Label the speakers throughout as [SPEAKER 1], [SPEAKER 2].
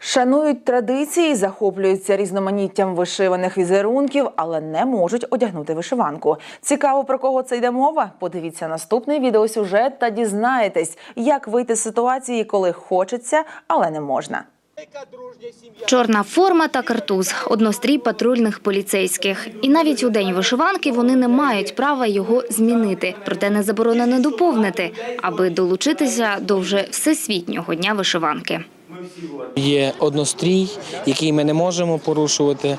[SPEAKER 1] Шанують традиції, захоплюються різноманіттям вишиваних візерунків, але не можуть одягнути вишиванку. Цікаво, про кого це йде мова? Подивіться наступний відеосюжет та дізнаєтесь, як вийти з ситуації, коли хочеться, але не можна.
[SPEAKER 2] Чорна форма та картуз – однострій патрульних поліцейських. І навіть у день вишиванки вони не мають права його змінити. Проте не заборонено доповнити, аби долучитися до вже Всесвітнього дня вишиванки.
[SPEAKER 3] Є однострій, який ми не можемо порушувати.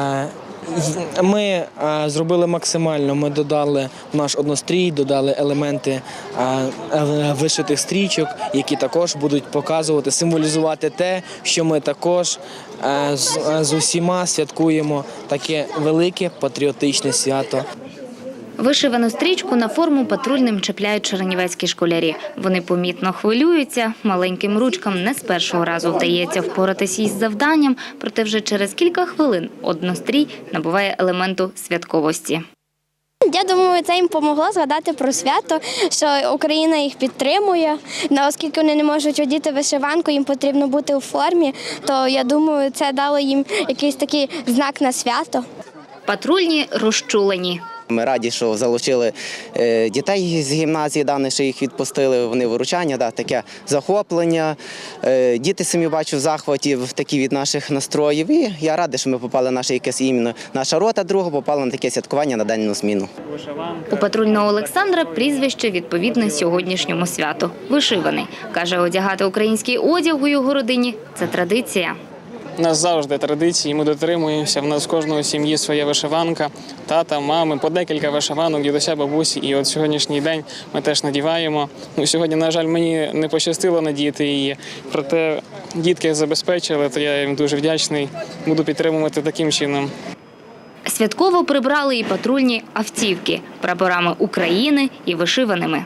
[SPEAKER 3] Ми зробили максимально, ми додали в наш однострій, додали елементи вишитих стрічок, які також будуть показувати, символізувати те, що ми також з усіма святкуємо таке велике патріотичне свято.
[SPEAKER 2] Вишивану стрічку на форму патрульним чіпляють чернівецькі школярі. Вони помітно хвилюються, маленьким ручкам не з першого разу вдається впоратися із завданням, проте вже через кілька хвилин однострій набуває елементу святковості.
[SPEAKER 4] Я думаю, це їм допомогло згадати про свято, що Україна їх підтримує. Оскільки вони не можуть одіти вишиванку, їм потрібно бути у формі, то я думаю, це дало їм якийсь такий знак на свято.
[SPEAKER 2] Патрульні розчулені.
[SPEAKER 5] Ми раді, що залучили дітей з гімназії, що їх відпустили, вони виручання, таке захоплення. Діти самі бачу в захваті такі від наших настроїв. І я радий, що ми попали на якесь іменно. Наша рота друга попала на таке святкування на денну зміну.
[SPEAKER 2] У патрульного Олександра прізвище відповідне сьогоднішньому святу – вишиваний. Каже, одягати український одяг у його родині – це традиція.
[SPEAKER 6] У нас завжди традиції, ми дотримуємося. В нас в кожної сім'ї своя вишиванка, тата, мами, по декілька вишиванок, дідуся, бабусі. І от сьогоднішній день ми теж надіваємо. Сьогодні, на жаль, мені не пощастило надіти її, проте дітки забезпечили, то я їм дуже вдячний. Буду підтримувати таким чином.
[SPEAKER 2] Святково прибрали і патрульні автівки прапорами України і вишиваними.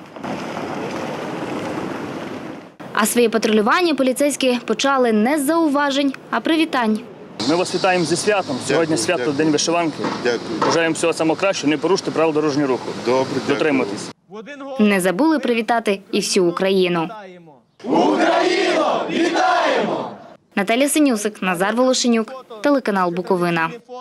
[SPEAKER 2] А своє патрулювання поліцейські почали не з зауважень, а привітань.
[SPEAKER 7] Ми вас вітаємо зі святом. Сьогодні свято – День вишиванки. Дякую. Бажаємо всього самого кращого, не порушити правил дорожнього руху. Добре, дотримуйтесь.
[SPEAKER 2] Не забули привітати і всю Україну. Україно, вітаємо! Наталія Синюсик, Назар Волошенюк, телеканал Буковина.